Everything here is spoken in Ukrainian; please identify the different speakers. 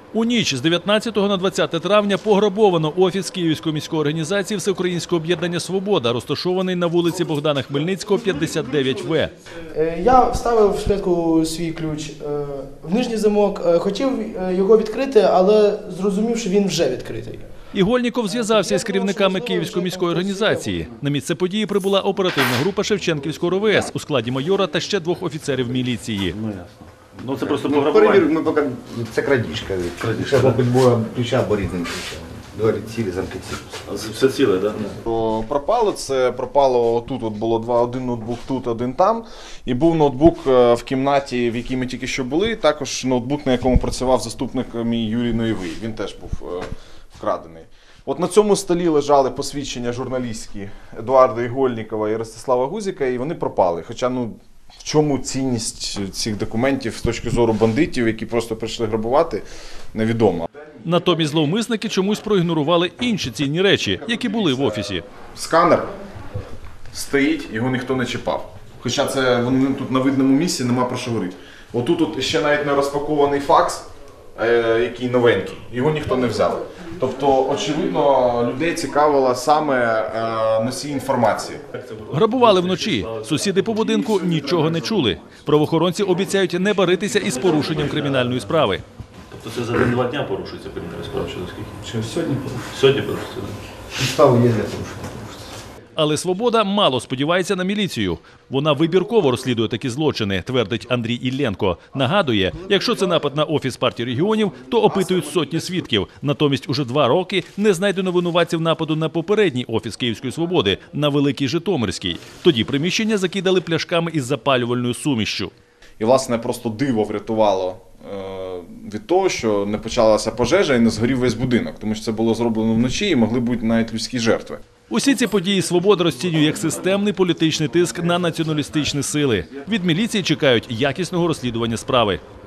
Speaker 1: У ніч з 19 на 20 травня пограбовано офіс Київської міської організації Всеукраїнського об'єднання «Свобода», розташований на вулиці Богдана Хмельницького, 59В.
Speaker 2: Я вставив спочатку свій ключ в нижній замок, хотів його відкрити, але зрозумів, що він вже відкритий.
Speaker 1: Ігольніков зв'язався із керівниками Київської міської організації. На місце події прибула оперативна група Шевченківського РВС у складі майора та ще 2 офіцерів міліції.
Speaker 3: Ну це просто пограбування.
Speaker 4: Ми поки це крадіжка. Ще мабуть, було ключа борітним ключем. Двері цілі, замки цілі.
Speaker 3: Все ціле, так?
Speaker 5: Пропало отут, от було один ноутбук тут, один там. І був ноутбук в кімнаті, в якій ми тільки що були, також ноутбук, на якому працював заступник мій Юрій Ноєвий. Він теж був вкрадений. От на цьому столі лежали посвідчення журналістські Едуарда Ігольнікова і Ростислава Гузіка, і вони пропали. Хоча, в чому цінність цих документів з точки зору бандитів, які просто прийшли грабувати, невідомо.
Speaker 1: Натомість зловмисники чомусь проігнорували інші цінні речі, які були в офісі.
Speaker 5: Сканер стоїть, його ніхто не чіпав. Хоча це тут на видному місці, нема про що говорити. Отут ще навіть не розпакований факс, який новенький, його ніхто не взяв. Тобто, очевидно, людей цікавила саме носій інформації.
Speaker 1: Грабували вночі. Сусіди по будинку нічого не чули. Правоохоронці обіцяють не баритися із порушенням кримінальної справи.
Speaker 3: Тобто це за 1-2 дня порушується кримінальна справа, чи наскільки?
Speaker 4: Сьогодні порушується.
Speaker 3: Сьогодні порушується, так?
Speaker 4: Підстави є для порушення.
Speaker 1: Але «Свобода» мало сподівається на міліцію. Вона вибірково розслідує такі злочини, твердить Андрій Ілленко. Нагадує, якщо це напад на офіс партії регіонів, то опитують сотні свідків. Натомість уже 2 роки не знайдено винуватців нападу на попередній офіс Київської «Свободи» на Великій Житомирській. Тоді приміщення закидали пляшками із запалювальною сумішшю.
Speaker 5: І, власне, просто диво врятувало від того, що не почалася пожежа і не згорів весь будинок. Тому що це було зроблено вночі і могли бути навіть людські жертви.
Speaker 1: Усі ці події «Свобода» розцінює як системний політичний тиск на націоналістичні сили. Від міліції чекають якісного розслідування справи.